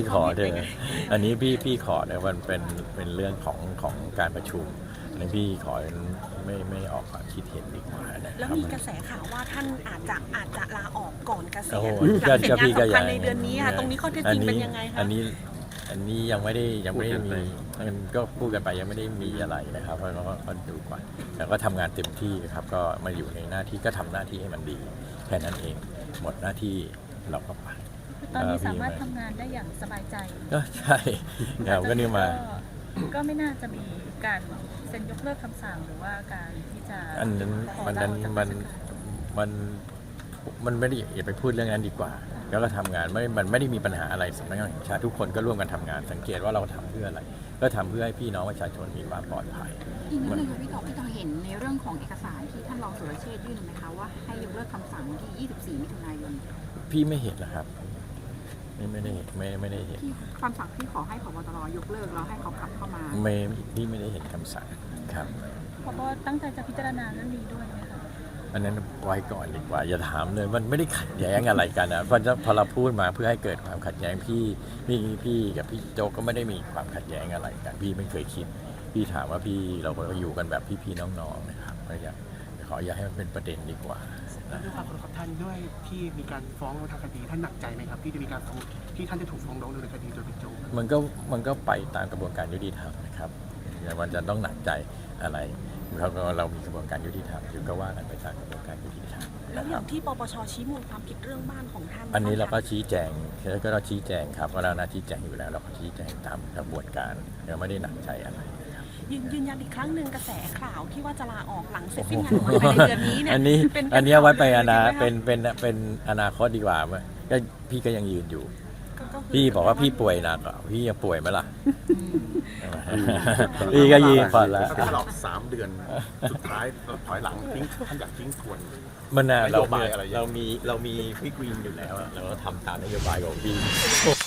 ขอเถอะอันนี้พี่ขอเนี่ยมันเป็นเรื่องของการประชุมอันนี้พี่ขอไม่ออกความคิดเห็นดีกว่านะแล้วมีกระแสข่าวว่าท่านอาจจะลาออกก่อนเกษีโอ้ยโหณหลังเสร็จงานพี่ก็สำคัญในเดือนนี้ค่ะตรงนี้ข้อเท็จจริงเป็นยังไงคะอันนี้ยังไม่ได้มีมันก็พูดกันไปยังไม่ได้มีอะไรนะครับเพราะก็ดูก่อนแต่ก็ทำงานเต็มที่ครับก็มาอยู่ในหน้าที่ก็ทำหน้าที่ให้มันดีแค่นั้นเองหมดหน้าที่เราก็ไปตอนนี้สามารถทำงานได้อย่างสบายใจก็ใช่ครับก็นี่มาก็ไม่น่าจะมีการเซ็นยกเลิกคำสั่งหรือว่าการที่จะอันนั้นมันไม่ได้อย่าไปพูดเรื่องนั้นดีกว่า แล้วก็ทำงานมันไม่ได้มีปัญหาอะไรสำนักงานแห่งชาติทุกคนก็ร่วมกันทำงานสังเกตว่าเราทำเพื่ออะไรก็ทำเพื่อให้พี่น้องประชาชนมีความปลอดภัยอีกนิดนึงค่ะพี่ต่อเห็นในเรื่องของเอกสารที่ท่านรองสุรเชษฐ์ยื่นไหมคะว่าให้ยกเลิกคำสั่งวันที่ 24 มิถุนายนพี่ไม่เห็นนะครับไม่ได้เห็นที่คำสั่งที่ขอให้ผบตรยกเลิกแล้วให้เขากลับเข้ามาพี่ไม่ได้เห็นคำสั่งครับเพราะว่าตั้งใจจะพิจารณาเรื่องนี้ด้วยไหมคะอันนั้นไว้ก่อนดีกว่าอย่าถามเลยมันไม่ได้ขัดแย้งอะไรกันนะพอเราพูดมาเพื่อให้เกิดความขัดแย้งพี่กับพี่โจ๊กก็ไม่ได้มีความขัดแย้งอะไรกันพี่ไม่เคยคิดพี่ถามว่าเราอยู่กันแบบพี่ๆน้องๆนะครับก็อย่าให้มันเป็นประเด็นดีกว่าด้วยความเคารพท่านด้วยที่มีการฟ้องทางคดีท่านหนักใจไหมครับที่จะมีการฟ้องที่ท่านจะถูกฟ้องร้องดำเนินคดีโดยบิ๊กโจ๊กมันก็ไปตามกระบวนการยุติธรรมนะครับอย่ามันจะต้องหนักใจอะไรเรามีกระบวนการยุติธรรมอยู่ก็ว่ากันไปตามกระบวนการยุติธรรมแล้วนะอครัย่าบงที่ปปชชี้มูลความผิดเรื่องบ้านของท่านอันนี้เราก็ชี้แจงเราชี้แจงครับว่าเราหน้าชี้แจงอยู่แล้วเราก็ชี้แจงตามกระบวนการเราไม่ได้หนักใจอะไรนะครับยืนยันอีกครั้งหนึ่งกระแสข่าวที่ว่าจะลาออกหลังเสร็จสิ้นงานของภายในเดือนนี้เนี่ยอันนี้เป็นอันนี้เอาไว้ไปเป็นเป็นอนาคตดีกว่าก็พี่ก็ยังยืนอยู่ก็คือพี่บอกว่าพี่ป่วยหนักอ่ะพี่ยังป่วยไหมล่ะพี่ก็ยืนก่อนแล้วถ้าหลอก3 เดือนสุดท้ายเราถอยหลังทิ้งท่านอยากทิ้งทวนมันน่ะนโยบายอะไรเรามีพี่กรีนอยู่แล้วอะเราก็ทำตามนโยบายของพี่